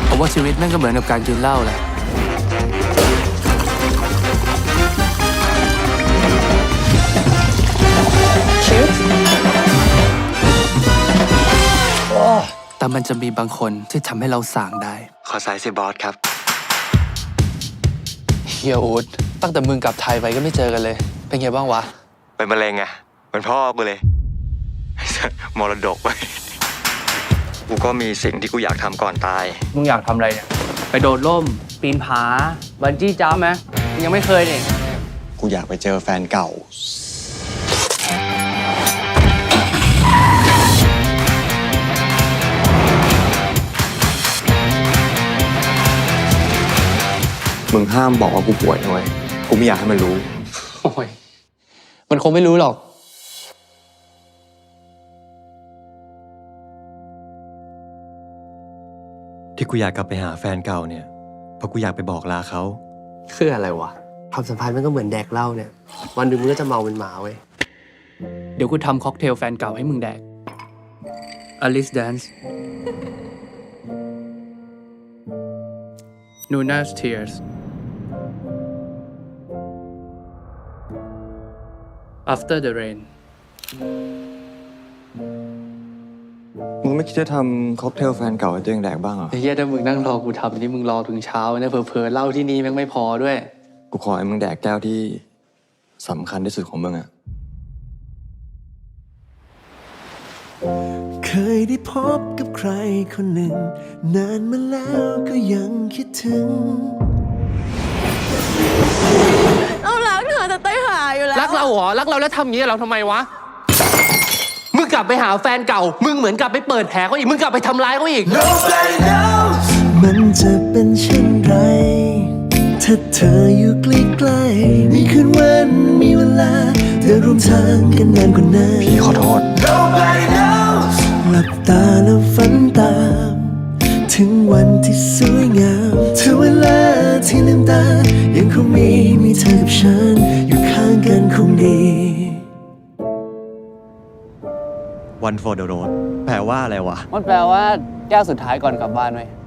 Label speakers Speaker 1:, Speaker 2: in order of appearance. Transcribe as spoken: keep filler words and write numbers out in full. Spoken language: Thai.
Speaker 1: ผมว่าชีวิตแม่งก็เหมือนกับการกินเหล้าแหละแต่มันจะมีบางคนที่ทำให้เราส่างได้
Speaker 2: ขอสายสิบอสครับ
Speaker 1: เฮียอูดตั้งแต่มึงกลับไทยไปก็ไม่เจอกันเลย เป็นไงบ้างวะ
Speaker 2: เป็นมะเร็งไงเป็นพ่อกูเลย มรดกไป กูก็มีสิ่งที่กูอยากทำก่อนตาย
Speaker 1: มึงอยากทำอะไรเนี่ย ไปโดดร่ม ปีนผา บันจี้จ้าไหมมึงยังไม่เคยเนี่ย
Speaker 2: กูอยากไปเจอแฟนเก่า มึงห้ามบอกว่ากูป่วยนะเว้ยกูไม่อยากให้มันรู้
Speaker 1: โอ้ย มันคงไม่รู้หรอก
Speaker 2: ที่กูอยากกลับไปหาแฟนเก่าเนี่ย เพราะกูอยากไปบอกลาเขา
Speaker 3: คืออะไรวะความสัมพันธ์มันก็เหมือนแดกเหล้าเนี่ย วันหนึ่งมึงก็จะเมาเป็นหมาเว้ย
Speaker 1: เดี๋ยวกูทำค็อกเทลแฟนเก่าให้มึงแดก Alice Dance Nuna's Tears After the Rain
Speaker 2: มึงไม่คิดจะทำค็อกเทลแฟนเก่าให้ตัวเองแดกบ้างเหรอ
Speaker 1: ไอ้เหี้ยถ้ามึงนั่งรอกูทำนี่มึงรอถึงเช้าเนี่ยเผลอๆเหล้าที่นี่แม่งไม่พอด้วย
Speaker 2: กูขอให้มึงแดกแก้วที่สำคัญที่สุดของมึงอะ
Speaker 4: เคยได้พบกับใครคนหนึ่ง นานมาแล้วก็ยังคิดถึง
Speaker 5: เรารักเธอแต่เต้ยหาอยู่แล้ว
Speaker 3: รักเราเหรอ รักเราแล้วทำอย่างนี้กับเราทำไมวะ มึงกลับไปหาแฟนเก่า มึงเหมือนกลับไปเปิดแผลเขาอีก มึงกลับไปทำร้ายเขาอีก
Speaker 4: Nobody knows มันจะเป็นเช่นไร ถ้าเธออยู่ใกล้ๆมีคืนวันมีเวลาเธอร่วมทางกันนานกว่านั้น
Speaker 2: พี่ขอโทษ
Speaker 4: Nobody knows หลับตาแล้วฝันตาม ถึงวันที่สวยงามถึงเวลาที่ลืมตา ยังคงมีมีเธอกับฉัน อยู่ข้างกันคงดี
Speaker 2: One for the road แปลว่าอะไรวะ
Speaker 1: มันแปลว่าแก้วสุดท้ายก่อนกลับบ้านไหม